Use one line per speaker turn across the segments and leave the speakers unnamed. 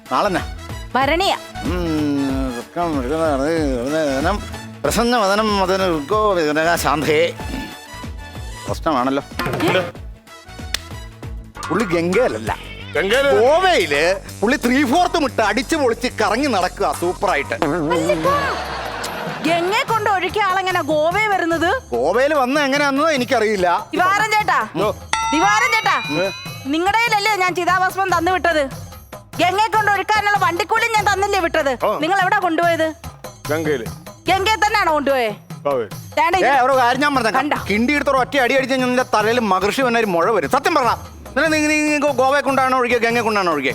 നാളെന്നാ
ഭരണിയ
പ്രസന്ന വദനം ശാന്തയെ പ്രശ്നമാണല്ലോ. പുള്ളി ഗംഗയിലല്ല, ഗോവയില് പുള്ളി 3/4 മുട്ട അടിച്ചു പൊളിച്ച് കറങ്ങി നടക്കുക സൂപ്പറായിട്ട്.
ഗംഗയെ കൊണ്ട് ഒഴുക്കിയ ആളെങ്ങനെ ഗോവയിൽ വരുന്നത്?
ഗോവയിൽ വന്ന എങ്ങനെയാണെന്നോ എനിക്കറിയില്ല.
ദിവാരൻ ചേട്ടാ, നിങ്ങളുടെ കയ്യിലല്ലേ ഞാൻ ചിതാഭസ്മം തന്നു വിട്ടത്? ഗംഗയെ കൊണ്ട് ഒഴുക്കാനുള്ള വണ്ടിക്കൂലി ഞാൻ തന്നില്ലേ വിട്ടത്? നിങ്ങൾ എവിടെ കൊണ്ടുപോയത്? ഗംഗയെ തന്നെയാണോ കൊണ്ടുപോയത്?
കാര്യം ഞാൻ പറഞ്ഞ കിണ്ടി എടുത്തോളം ഒറ്റ അടി അടിച്ച നിന്റെ തലയിൽ മഹർഷി വന്ന ഒരു മുഴ വരും. സത്യം പറഞ്ഞ ഗോവയെ കൊണ്ടാണോ ഒഴുകിയ ഗംഗയെ കൊണ്ടാണോ ഒഴുകിയ?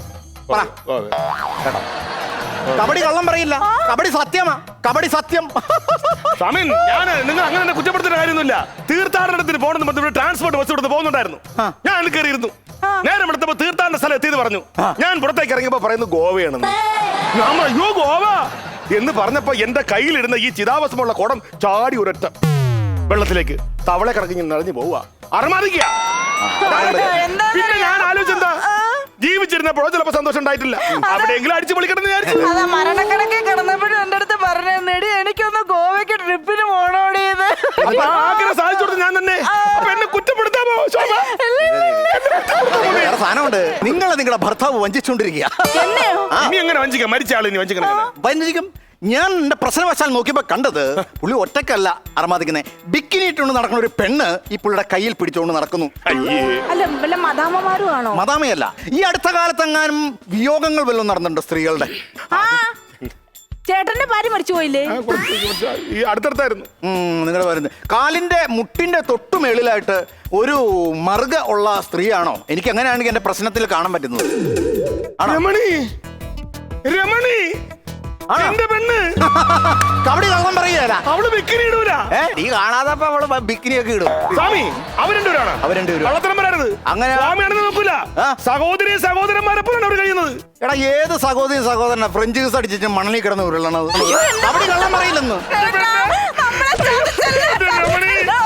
കബഡി കള്ളം പറയില്ല, കബഡി സത്യമാ, കബഡി സത്യം.
നിങ്ങൾ അങ്ങനെ കുറ്റപ്പെടുത്തുന്ന കാര്യമൊന്നുമില്ല. തീർത്ഥാടനത്തിന് പോകണമെന്ന് ട്രാൻസ്പോർട്ട് ബസ് കൊടുത്ത് പോകുന്നുണ്ടായിരുന്നു. ഞാൻ കയറിയിരുന്നു. നേരം എടുത്തപ്പോ തീർത്ഥാടന സ്ഥലം എത്തിയെന്ന് പറഞ്ഞു. ഞാൻ പുറത്തേക്ക് ഇറങ്ങിയപ്പോ പറയുന്നു ഗോവയാണെന്ന്. അയ്യോ ഗോവ എന്ന് പറഞ്ഞപ്പോ എന്റെ കയ്യിലിരുന്ന ഈ ചിതാഭസ്മമുള്ള കുടം ചാടി ഒരൊറ്റ വെള്ളത്തിലേക്ക് തവളെ കിടക്കി നിറഞ്ഞു പോവുക. അറമാദിക്കുക. പിന്നെ ഞാൻ ആലോചിച്ചെന്താ, ജീവിച്ചിരുന്നപ്പോഴോ ചിലപ്പോ സന്തോഷം ഉണ്ടായിട്ടില്ല, അവിടെയെങ്കിലും അടിച്ചു പൊളിക്കണം വിചാരിച്ചു.
മരണക്കണക്കെ കിടന്നപ്പോഴും എന്റെ അടുത്ത് പറഞ്ഞേടി എനിക്കൊന്ന് ഗോവയ്ക്ക് ട്രിപ്പിന് പോണോടിയത്.
ആഗ്രഹം സാധിച്ചു കൊടുത്തു ഞാൻ തന്നെ. അപ്പൊ എന്നെ കുറ്റപ്പെടുത്താമോ ശോഭ?
സാധനമുണ്ട്, നിങ്ങളുടെ ഭർത്താവ് വഞ്ചിച്ചോണ്ടിരിക്കുക.
ഇനി എങ്ങനെ വഞ്ചിക്കാം? മരിച്ച ആളിനി
വഞ്ചിക്കും. ഞാൻ എന്റെ പ്രശ്നവശാൽ നോക്കിയപ്പോ കണ്ടത് പുള്ളി ഒറ്റക്കല്ല അറമാദിക്കുന്നത്. ബിക്കിനി ഇട്ടുകൊണ്ട് നടക്കുന്ന ഒരു പെണ്ണ് ഈ പുള്ളിയുടെ കയ്യിൽ പിടിച്ചുകൊണ്ട് നടക്കുന്നു.
അല്ല മദാമമാരും ആണോ?
മദാമയല്ല. ഈ അടുത്ത കാലത്തെങ്ങാനും വിയോഗങ്ങൾ വല്ലതും നടന്നിട്ടുണ്ട് സ്ത്രീകളുടെ?
ചേട്ടന്റെ ഭാര്യ മരിച്ചു പോയില്ലേ?
ഈ അടുത്തടുത്തായിരുന്നു.
നിങ്ങൾ വരുന്നത് കാലിന്റെ മുട്ടിന്റെ തൊട്ടുമേളിലായിട്ട് ഒരു മറുക ഉള്ള സ്ത്രീയാണോ? എനിക്ക് അങ്ങനെയാണെങ്കിൽ എന്റെ പ്രശ്നത്തിൽ കാണാൻ പറ്റുന്നത്.
രമണി, രമണി എന്റെ പെണ്ണ്
കബഡി കള്ളം പറയുകയല്ല.
അവള് ബിക്കിനി ഇടൂല.
നീ കാണാതപ്പോ അവള് ബിക്കിനി ഒക്കെ ഇടും.
സ്വാമി അവർ രണ്ടുപേരാണ്. കള്ളത്തരം വരരുത്.
അങ്ങനെ
സ്വാമിയാണെന്ന് നോക്കൂല. സഹോദരി സഹോദരന്മാരെപ്പോഴാണ് അവർ കഴിയുന്നത്.
എടാ ഏത് സഹോദരി സഹോദരനാ ഫ്രഞ്ച് ജ്യൂസ് അടിച്ചിട്ട് മണലിൽ കിടന്ന് ഉരുളണത്? കബഡി കള്ളം പറയില്ലെന്ന്.